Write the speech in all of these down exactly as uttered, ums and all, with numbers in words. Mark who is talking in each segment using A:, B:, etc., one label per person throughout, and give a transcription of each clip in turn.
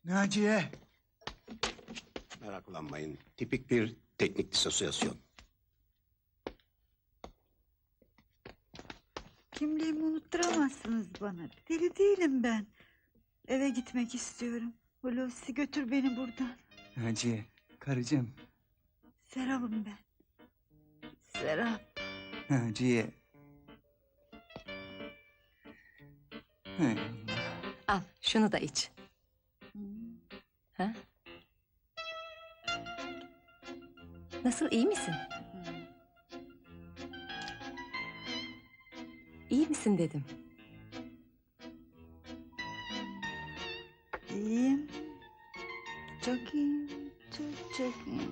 A: Naciye!
B: Meraklanmayın. Tipik bir teknik disosiyasyon.
C: Kimliğimi unutturamazsınız bana. Deli değilim ben. Eve gitmek istiyorum. Hulusi götür beni buradan.
A: Naciye, karıcığım.
C: Serap'ım ben. Serap.
A: Naciye. Hay Allah.
D: Al şunu da iç.
C: Hmm.
D: Ha? Nasıl, iyi misin? İyi misin dedim.
C: İyiyim. Çok iyiyim. Çok çok iyiyim.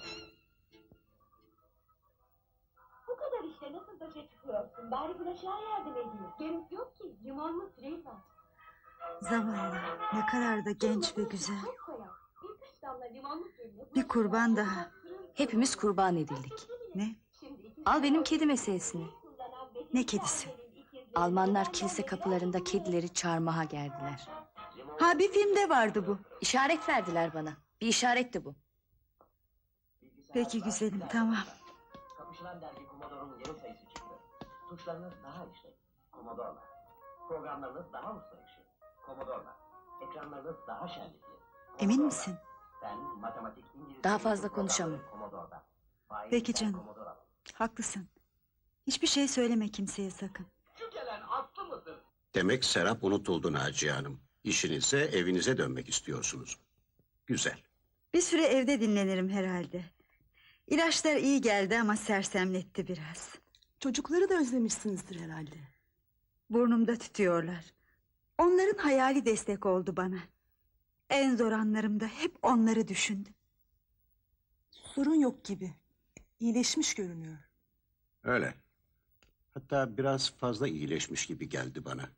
E: Bu kadar işte nasıl başa çıkıyorsun? Bari bulaşığa yardım edeyim. Gerek yok ki. Limonlu sürey var.
C: Zavallı. Ne kadar da genç ve güzel.
E: Çok koyar. Birkaç damla limonlu suyla...
C: Bir kurban daha.
D: Hepimiz kurban edildik.
C: Ne?
D: Al benim kedi meselesini.
C: Ne kedisi?
D: Almanlar kilise kapılarında kedileri çarmıha gerdiler.
C: Ha, bir filmde vardı bu.
D: İşaret verdiler bana. Bir işaretti bu.
C: Peki güzelim, tamam.
F: Kapışılan dergi Commodore'un yeni sayısı çıktı. Tuşlarınız daha işlek. Commodore'la. Programlarınız daha usta işi. Commodore'la. Ekranlarınız daha şenlikli.
C: Emin misin?
F: Ben matematik, İngilizce...
D: Daha fazla konuşamam.
F: Commodore'da. Faiz
C: Peki
F: ben
C: canım.
F: Commodore alın.
C: Haklısın. Hiçbir şey söyleme kimseye sakın.
F: Şu gelen atlı mıdır?
B: Demek Serap unutuldu Naciye Hanım. İşinize, evinize dönmek istiyorsunuz. Güzel.
C: Bir süre evde dinlenirim herhalde. İlaçlar iyi geldi ama sersemletti biraz.
G: Çocukları da özlemişsinizdir herhalde.
C: Burnumda tütüyorlar. Onların hayali destek oldu bana. En zor anlarımda hep onları düşündüm.
G: Sorun yok gibi. İyileşmiş görünüyor.
B: Öyle. Hatta biraz fazla iyileşmiş gibi geldi bana.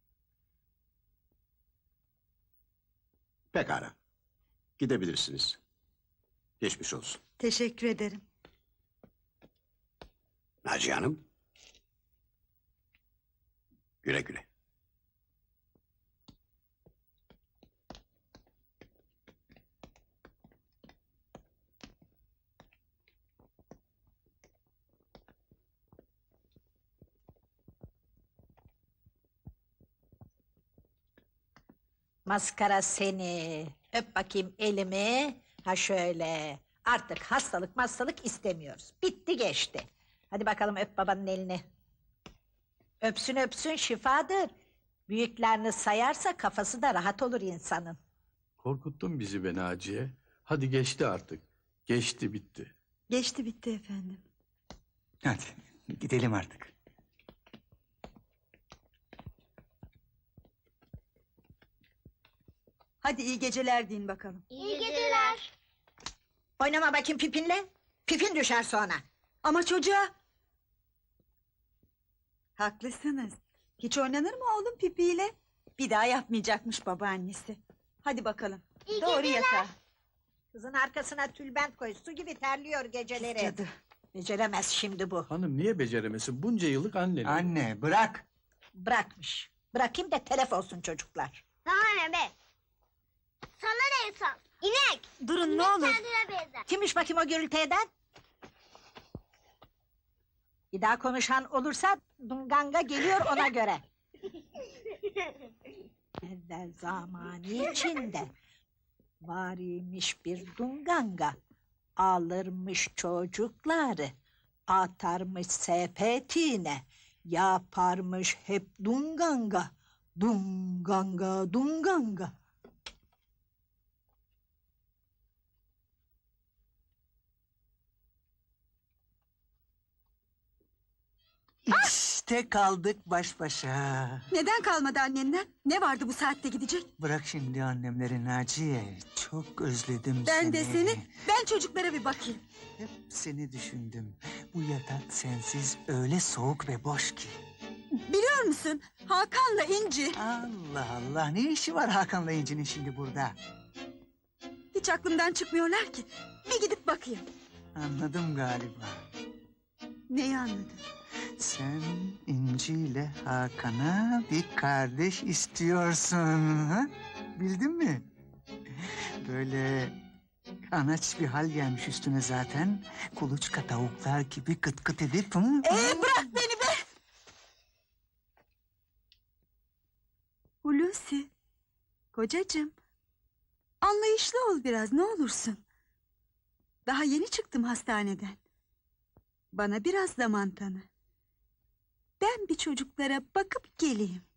B: Pekala. Gidebilirsiniz. Geçmiş olsun.
C: Teşekkür ederim.
B: Naciye Hanım. Güle güle.
H: Maskara seni. Öp bakayım elimi. Ha şöyle. Artık hastalık hastalık istemiyoruz. Bitti geçti. Hadi bakalım öp babanın elini. Öpsün öpsün şifadır. Büyüklerini sayarsa kafası da rahat olur insanın.
I: Korkuttun bizi be Naciye. Hadi geçti artık. Geçti bitti.
C: Geçti bitti efendim.
A: Hadi gidelim artık.
C: Hadi iyi geceler deyin bakalım.
E: İyi geceler.
H: Oynama bakayım pipinle. Pipin düşer sonra.
C: Ama çocuğa... Haklısınız. Hiç oynanır mı oğlum pipiyle? Bir daha yapmayacakmış babaannesi. Hadi bakalım.
E: İyi
C: Doğru
E: geceler.
C: yatağa.
H: Kızın arkasına tülbent koy. Su gibi terliyor geceleri.
C: Cadı.
H: Beceremez şimdi bu.
I: Hanım niye beceremesin? Bunca yıllık annen.
A: Anne bırak.
H: Bırakmış. Bırakayım da telef olsun çocuklar.
E: Sana ne be? Sana ne insan? İnek.
C: Durun ne olur.
E: Kendine benzer.
H: Kimmiş bakayım o gürültü eden? Bir daha konuşan olursa Dunganga geliyor ona göre. Evvel zamanı içinde var imiş bir Dunganga. Alırmış çocukları, atarmış sepetine, yaparmış hep Dunganga. Dunganga, Dunganga.
A: İşte kaldık baş başa.
C: Neden kalmadı annenden? Ne vardı bu saatte gidecek?
A: Bırak şimdi annemleri Naciye. Çok özledim
C: Ben
A: seni.
C: de seni. Ben çocuklara bir bakayım.
A: Hep seni düşündüm. Bu yatak sensiz öyle soğuk ve boş ki.
C: Biliyor musun? Hakan'la İnci.
A: Allah Allah, ne işi var Hakan'la İnci'nin şimdi burada?
C: Hiç aklımdan çıkmıyorlar ki. Bir gidip bakayım.
A: Anladım galiba.
C: Neyi anladın?
A: Sen İnci ile Hakan'a bir kardeş istiyorsun. Ha? Bildin mi? Böyle anaç bir hal gelmiş üstüne zaten. Kuluçka tavuklar gibi kıt kıt edip... Hı?
C: Ee, bırak beni be! Hulusi, kocacığım. Anlayışlı ol biraz, ne olursun. Daha yeni çıktım hastaneden. Bana biraz zaman tanı. Ben bir çocuklara bakıp geleyim.